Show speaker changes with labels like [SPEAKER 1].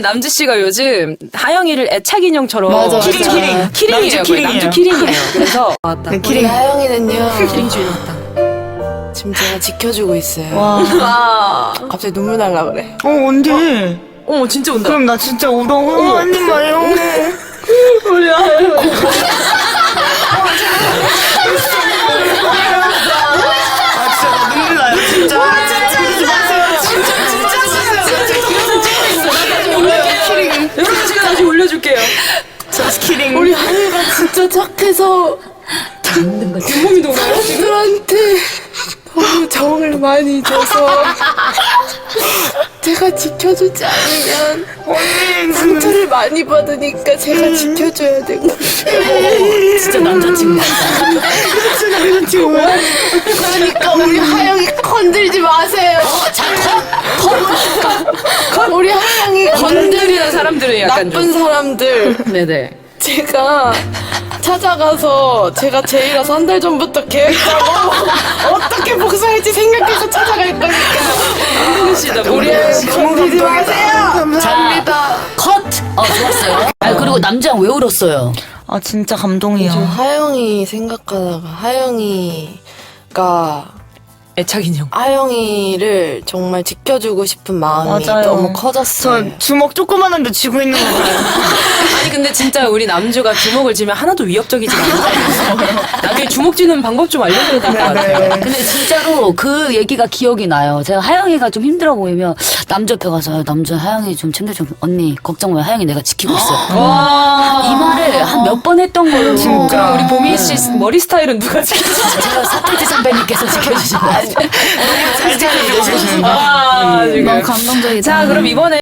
[SPEAKER 1] 남주 씨가 요즘 하영이를 애착 인형처럼
[SPEAKER 2] 맞아, 맞아.
[SPEAKER 1] 키링이에요.
[SPEAKER 3] 남주
[SPEAKER 1] 거의. 남주 키링이에요. 그래서
[SPEAKER 2] 맞다.
[SPEAKER 3] 네,
[SPEAKER 2] 우리 하영이는요.
[SPEAKER 1] 키링 주인 왔다.
[SPEAKER 2] 지금 제가 지켜주고 있어요.
[SPEAKER 3] 와.
[SPEAKER 2] 갑자기 눈물 날라 그래.
[SPEAKER 3] 언제?
[SPEAKER 1] 어머 진짜 온다.
[SPEAKER 3] 그럼 나 진짜 울어. 언니 마요.
[SPEAKER 1] 우리 하영.
[SPEAKER 3] 아, 진짜 나 눈물 나요, 진짜. 그러지 마세요.
[SPEAKER 1] 여러분 제가 다시 올려줄게요.
[SPEAKER 3] 저스 키링.
[SPEAKER 2] 우리 하영이가 진짜 착해서
[SPEAKER 1] 몸이 녹아요.
[SPEAKER 2] 친구들한테 너무 정을 많이 줘서 제가 지켜주지 않으면
[SPEAKER 3] 언니.
[SPEAKER 2] 상처를 많이 받으니까 제가 지켜줘야 되고
[SPEAKER 4] 진짜 남자친구 같다.
[SPEAKER 2] 그러니까 우리 하영이 건들지 마세요. 우리 하영이
[SPEAKER 1] 건드리는 사람들은 약간
[SPEAKER 2] 나쁜 사람들
[SPEAKER 1] 네네.
[SPEAKER 2] 제가 찾아가서 제가 제이라서 한 달 전부터 계획 짜고 어떻게 복수할지 생각해서 찾아갈 거니까
[SPEAKER 1] 모르시다
[SPEAKER 2] 우리 하영이 건들지 마세요. 감사합니다.
[SPEAKER 4] 컷! 좋았어요. 아, 그리고 남자랑 왜 울었어요?
[SPEAKER 3] 아, 진짜
[SPEAKER 2] 저
[SPEAKER 3] 감동이야.
[SPEAKER 2] 하영이 생각하다가 하영이가
[SPEAKER 1] 애착 인형.
[SPEAKER 2] 하영이를 정말 지켜주고 싶은 마음이
[SPEAKER 3] 맞아요.
[SPEAKER 2] 너무
[SPEAKER 3] 저
[SPEAKER 2] 커졌어요.
[SPEAKER 3] 주먹 조그만한데 쥐고 있는 거 봐요.
[SPEAKER 1] 아니 근데 진짜 우리 남주가 주먹을 쥐면 하나도 위협적이지 않아요. 나중에 주먹 쥐는 방법 좀 알려줘야 될 것 같아요.
[SPEAKER 4] 근데 진짜로 그 얘기가 기억이 나요. 제가 하영이가 좀 힘들어 보이면 남자 옆에 가서 남자 하영이 좀 챙겨줘. 언니 걱정 마. 하영이 내가 지키고 있어. 이 말을 한 몇 번 했던 거예요.
[SPEAKER 1] 그럼 우리 보미 씨 머리 스타일은 누가 지켜주죠?
[SPEAKER 4] 제가 사태지 선배님께서 지켜주신 거 같아요.
[SPEAKER 3] 잘 지켜주시는.
[SPEAKER 1] 아, 지금.
[SPEAKER 4] 너무 감동적이다.
[SPEAKER 1] 자, 그럼 이번에